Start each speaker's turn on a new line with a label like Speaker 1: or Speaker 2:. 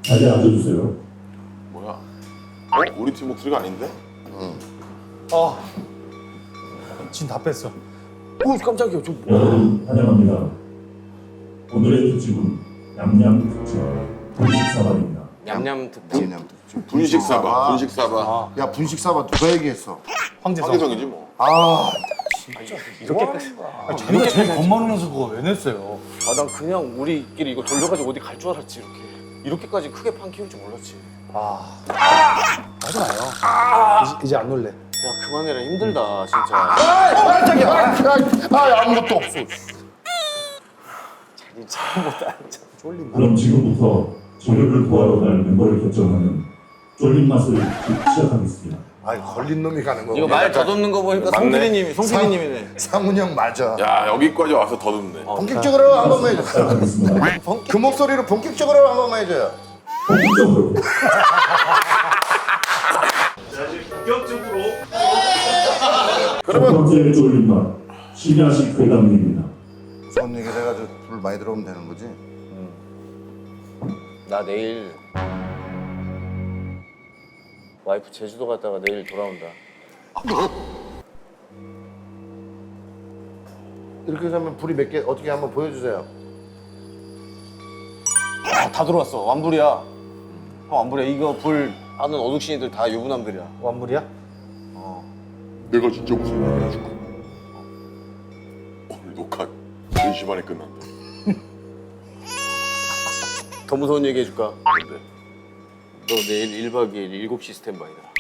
Speaker 1: 자리에 앉아주세요.
Speaker 2: 뭐야? 우리 팀 목소리가 아닌데?
Speaker 3: 진 다 뺐어.
Speaker 4: 오 깜짝이야. 저
Speaker 1: 여러분 환영합니다. 오늘의 특집은 냠냠 특집 분식사발입니다.
Speaker 4: 냠냠 특집.
Speaker 2: 분식 사바, 분식 사바.
Speaker 5: 야 분식 사바 누가 얘기했어?
Speaker 3: 황재성.
Speaker 2: 황계성이지 뭐.
Speaker 4: 이렇게까지.
Speaker 3: 자기가 제일 겁많으면서 그거 왜 냈어요?
Speaker 4: 아 난 그냥 우리끼리 이거 돌려가지고 어디 갈 줄 알았지 이렇게. 이렇게까지 크게 판 키울 줄 몰랐지.
Speaker 3: 하지 마요. 이제 안 놀래.
Speaker 4: 야 그만해라 힘들다 진짜.
Speaker 5: 아무것도 없어.
Speaker 4: 잘못다.
Speaker 1: 그럼 지금부터 저녁을 도와러 갈 멤버를 결정하는 쫄린 맛을 시작하겠습니다.
Speaker 5: 아 걸린 놈이 가는 거.
Speaker 4: 이거 말 더듬는 거 보니까
Speaker 2: 맞네.
Speaker 4: 송PD님이네.
Speaker 5: 상훈이 형 맞아.
Speaker 2: 야 여기까지 와서 더듬네.
Speaker 5: 본격적으로 한 번만 해줘.
Speaker 1: 시작하겠습니다.
Speaker 5: 그 목소리로 본격적으로 한 번만 해줘요.
Speaker 1: 본격적으로. 첫 번째 쫄린 맛 심야식 회담입니다.
Speaker 5: 손 얘기를 해가지고 불 많이 들어오면 되는 거지.
Speaker 4: 나 내일 와이프 제주도 갔다가 내일 돌아온다.
Speaker 5: 이렇게 하면 불이 몇 개 어떻게 한번 보여주세요.
Speaker 4: 다 들어왔어. 완불이야. 형 완불이야. 이거 불 아는 어둑신이들 다 유부남들이야.
Speaker 3: 완물이야?
Speaker 2: 내가 진짜 무슨 얘기 해줄까? 오늘 녹화 3시 반에 끝난다.
Speaker 4: 더 무서운 얘기 해줄까?
Speaker 2: 근데
Speaker 4: 너 내일 1박 2일 7시 스탠바이다.